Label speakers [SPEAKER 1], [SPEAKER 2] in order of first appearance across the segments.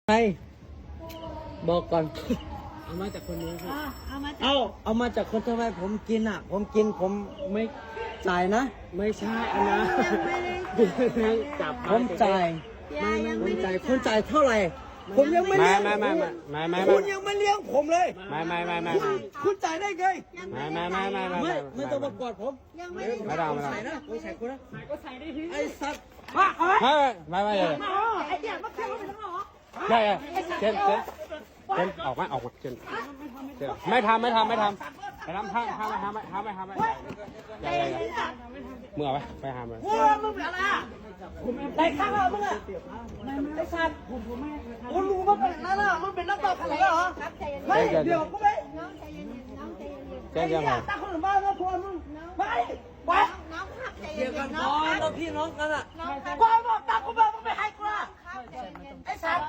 [SPEAKER 1] ใครบอกก่อน
[SPEAKER 2] เอามาจากคนนี้ครับ
[SPEAKER 1] เอามาจากคนทำไมผมกินผมกินผมไม่จ่ายนะ
[SPEAKER 2] ไม่ใช่อันนะจับ
[SPEAKER 1] ผมจ่ายผมจ่ายคุณจ่ายเท่าไหร่ผมยังไม่
[SPEAKER 3] ไม่
[SPEAKER 1] เลี้ยง
[SPEAKER 3] ไม่
[SPEAKER 1] คุณยังไม่เลี้ยงผมเลย
[SPEAKER 3] ไม่
[SPEAKER 1] คุณจ่ายได้ไง ไม่ต้องมากอดผม
[SPEAKER 3] ไม่ต้อง
[SPEAKER 1] ใส่นะผมใส่คุณนะ
[SPEAKER 2] ก็ใส่ได้ที
[SPEAKER 1] ไอ้สัตว์
[SPEAKER 3] ไม่เลย
[SPEAKER 2] ไอ้เดียมาเที่ยวไปทั้งหรอ
[SPEAKER 3] ใช่เช่นออกมาเช่นไม่ทำห้ามไม่มึงเอาไปห้ามเลย
[SPEAKER 1] มึงเป็นอะไรไอ้ข้างเรามึงไอ้สัตว์คุณรู้ว่าเป็นนั่นมึงเป็นนักต่อขนาดเหรอไม่เดี๋ยวกูไม่
[SPEAKER 3] เช่นยังไง
[SPEAKER 1] ตาคนอื่นบ้านแล้วพวมึงไม่ไปเดี๋ยวกันน้องเราพี่น้องกันกูบอกตากูบอกมึงไม่ให้กูละไอ้สัตว์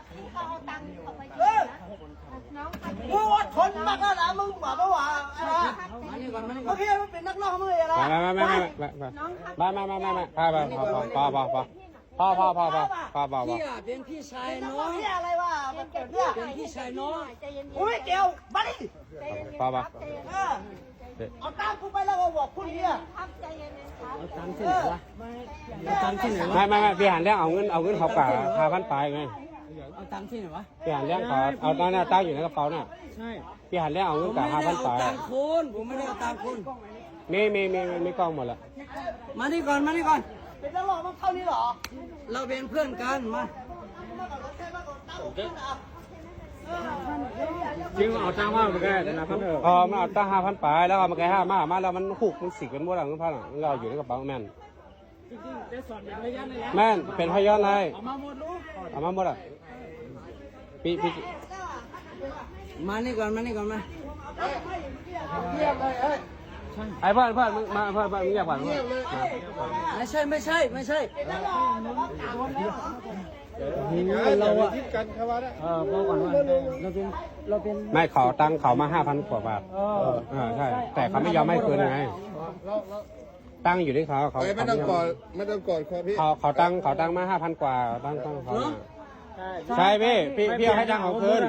[SPEAKER 1] มึงอดทนมากแล้วนะมึงบอกว่าโอเคมึงเป็นนักร้องมึงอะไร
[SPEAKER 3] ไม่พี่เป็นพี่ชายน้อง
[SPEAKER 1] พี่อะไรวะเป็นพี่ชายน้องกูไม่เกี่ยวมาดิเอาตามกูไปแล้วก็บอกคุณเนี่ย
[SPEAKER 2] เอาตังค์ที่ไหนวะเอาตังค์ที่ไหนวะ
[SPEAKER 3] ไม่พี่หันเรื่องเอาเงินเขาป่า5,000 ไปไง
[SPEAKER 2] เอาตังค์ที่ไหนวะ
[SPEAKER 3] พี่หันเรื่องเขาเอาตอนนี้ตั้งอยู่ในกระเป๋าน่ะ
[SPEAKER 2] ใช่
[SPEAKER 3] พี่หันเรื่องเอาเงินกับ5,000 ไป
[SPEAKER 1] ผมไม่ได้เอาตังคุณ
[SPEAKER 3] มีกล้องหมดแล้ว
[SPEAKER 1] มานี่ก่อนเป็นนักร้องมันเท่านี้เหรอเราเป็นเพื่อนกันมา
[SPEAKER 2] จริงเอาตังค์ว่ามันก็ได้นะพัน
[SPEAKER 3] มันเอาตั้ง5,000 ไปแล้วมันแค่5,000 มาแล้วมันหุกมันสิกมันหมดแล้วเงินพันเราอยู่ในกระเป๋าแม่น
[SPEAKER 2] จริงๆได้สอนอย่างระยะเลย
[SPEAKER 3] แม่นเป็นพยานเลย
[SPEAKER 2] เอามาหมดลูก
[SPEAKER 3] เอามาหมดอ่ะพี่
[SPEAKER 1] มานี่ก่อนมา
[SPEAKER 3] ไอ้เพื่อนมึงมาเพื่อนมึงอยากผ่านมึง
[SPEAKER 1] ไม่ใช่เราอะบอกก่อนว่าเราเป็น
[SPEAKER 3] ไม่ขอตังค์เขามา5,000 กว่าบาทใช่แต่เขาไม่ยอมให้คืนไงตั้งอยู่ที่เขา
[SPEAKER 4] ไม่ต้องกอดคอพี่
[SPEAKER 3] เขาตั้งมา5,000 กว่าตั้งเขาใช่พี่เอาให้ตังค์เขาคืน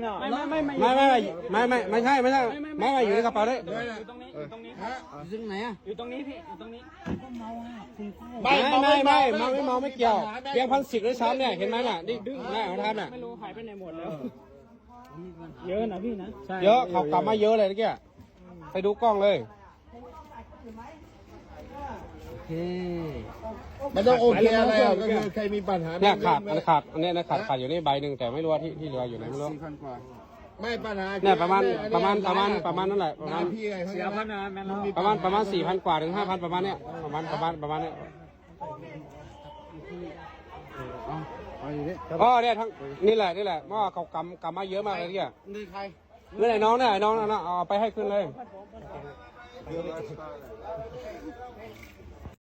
[SPEAKER 3] ไม่ใช่อยู่ในกระเป๋าเลย
[SPEAKER 2] อยู่ตรงนี้
[SPEAKER 1] ซึ่งไหนอะ
[SPEAKER 2] อยู่ตรงนี้พี่อยู่ตรงนี้
[SPEAKER 3] ไม่เมาไม่เกี่ยวเพียง1,10ด้วยซ้ำเนี่ยเห็นไหมน่ะนี่ดึงหน้าของท่านน่ะ
[SPEAKER 2] ไม่รู้หายไปไหนหมดแล้วเยอะนะพี่นะ
[SPEAKER 3] เยอะเขากลับมาเยอะเลยเมื่อกี้ไปดูกล้องเลย
[SPEAKER 1] โอเค
[SPEAKER 4] มันต้องโอเคอะไรอ่ะก็คือใครมีปัญหา
[SPEAKER 3] เนี่ยขาดอันนี้นะขาดอยู่นี่ใบหนึ่งแต่ไม่รู้ว่าที่เหลืออยู่ไหนไม่รู้
[SPEAKER 4] ไม่ปัญหา
[SPEAKER 3] เนี่ยประมาณนั่นแหละประมาณ
[SPEAKER 4] พี่ไงเขา
[SPEAKER 2] เสียพันนะแม่เรา
[SPEAKER 3] ประมาณ4,000 กว่าถึง5,000ประมาณเนี้ยประมาณเนี้ยอ๋อเนี่ยทั้งนี่แหละว่าเขากำมาเยอะมากเลยเนี่ย
[SPEAKER 4] นี่ใคร
[SPEAKER 3] เมื่อไหร่น้องเนี่ยน้องเอาไปให้ขึ้นเลย